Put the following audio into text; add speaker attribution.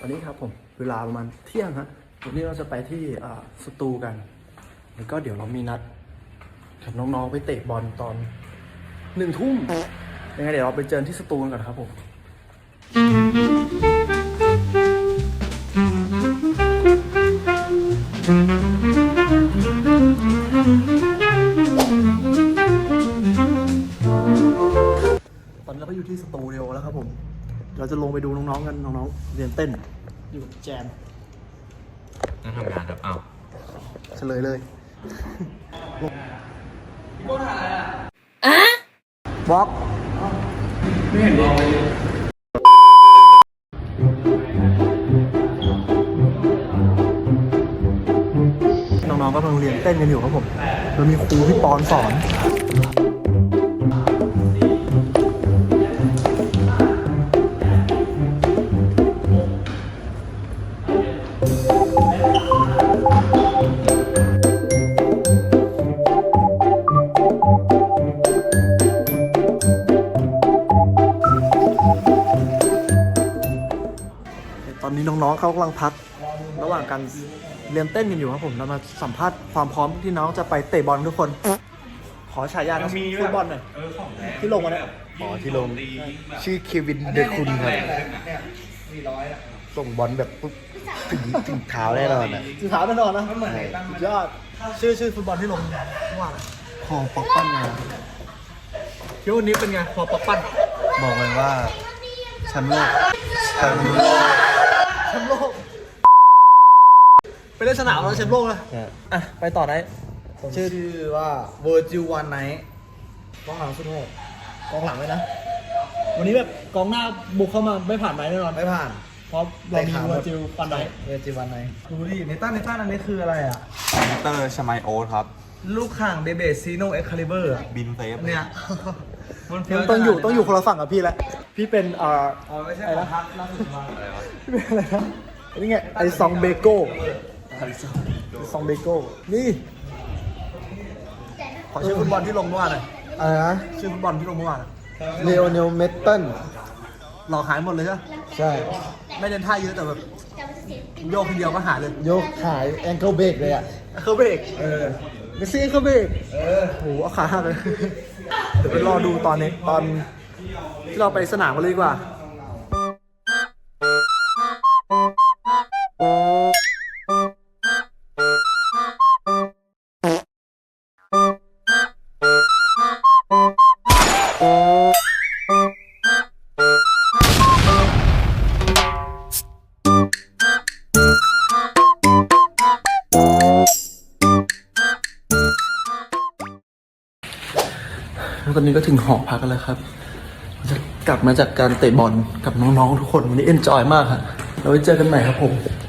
Speaker 1: อนนี้ครับผมเวลาประมาณเที่ยงฮะวันนี้เราจะไปที่สตูกันแล้วก็เดี๋ยวเรามีนัดกับน้องๆไปเตะบอลตอน1 ทุ่มยังไงเดี๋ยวเราไปเจอที่สตูกันก่อนครับผมตอนนี้เราก็อยู่ที่สตูดิโอแล้วครับผมเราจะลงไปดูน้องๆกันน้องๆเรียนเต้นอยู่แจม
Speaker 2: นั่งทำงานครับอ้าว
Speaker 1: เฉลยเลยบล็อกไม่เห็นบล็อกเลยน้องๆก็กำลังเรียนเต้นกันอยู่ครับผมแล้วมีครูพี่ปอนสอนตอนนี้น้องๆเขากำลังพักระหว่างการเรียนเต้นกันอยู่ครับผมเรามาสัมภาษณ์ความพร้อมที่น้องจะไปเตะบอลทุกคนขอฉายานักฟุตบอลหน่อยที่ลงมาเนี่ย
Speaker 2: ที่ลง
Speaker 1: ชื่อเควินเดคุนครับส่งบอลแบบปุ๊บถึงเท้าแน่นอนอ่ะถึงเท้าแน่นอนนะยอดชื่อฟุตบอลที่ลงว่าพอปักปั้นมาเที่ยววันนี้เป็นไงพอปักปั้น
Speaker 2: บอกเลยว่าแชมป์โลก
Speaker 1: แชมป์โลกไปเล่นสนามแล้วแชมป์โลกนะอ่ะไปต่อไหน
Speaker 3: ชื่อว่าเวอร์จิววันไนท์กองหลังสุดโหด
Speaker 1: กองหลังเลยนะวันนี้แบบกองหน้าบุกเข้ามาไม่ผ่านไหมแน่นอน
Speaker 3: ไม่ผ่าน
Speaker 1: เพราะเรามีเวอร์จิววันไนท์
Speaker 3: ดูดิในต้านอันนี้คืออะไรอ่ะ
Speaker 2: เตอร์ชมายโอ๊ตครับ
Speaker 3: ลูกข่างเบเบซีโนเอ็กคาลิเบอร์
Speaker 2: บินเซฟ
Speaker 3: เนี่ย
Speaker 1: ต้องอยู่คนละฝั่งกับพี่แล้วพี่เป็น
Speaker 3: ไม่ใช่อะไรนะล่าสุดมา
Speaker 1: อะไรวะพี่เป็นอะไรนะนี่ไงไอซองเบโก้ซองเบโก้นี่ขอชื่อฟุตบอลที่ลงเมื่อวานหน่อย
Speaker 3: อะไรนะ
Speaker 1: ชื่อฟุตบอลที่ลงเมื่อวาน
Speaker 3: เลโอเนลเมตตัน
Speaker 1: หลอกหายหมดเลยใช่ไหม
Speaker 3: ใช่
Speaker 1: ไม่เล่นท่าเยอะแต่แบบโยกทีเดียวก็หายเลย
Speaker 3: โยกขายแองเกิลเบรกเลยอ่ะ
Speaker 1: แองเกิลเบรกเมสซี่แองเกิลเบรกโหเอาขาหักเลยเดี๋ยวไปรอดูตอนที่เราไปสนามกันเลยดีกว่าตอนนี้ก็ถึงหอพักกันแล้วครับจะกลับมาจากการเตะบอลกับน้องๆทุกคนวันนี้เอนจอยมากครับเราไว้เจอกันใหม่ครับผม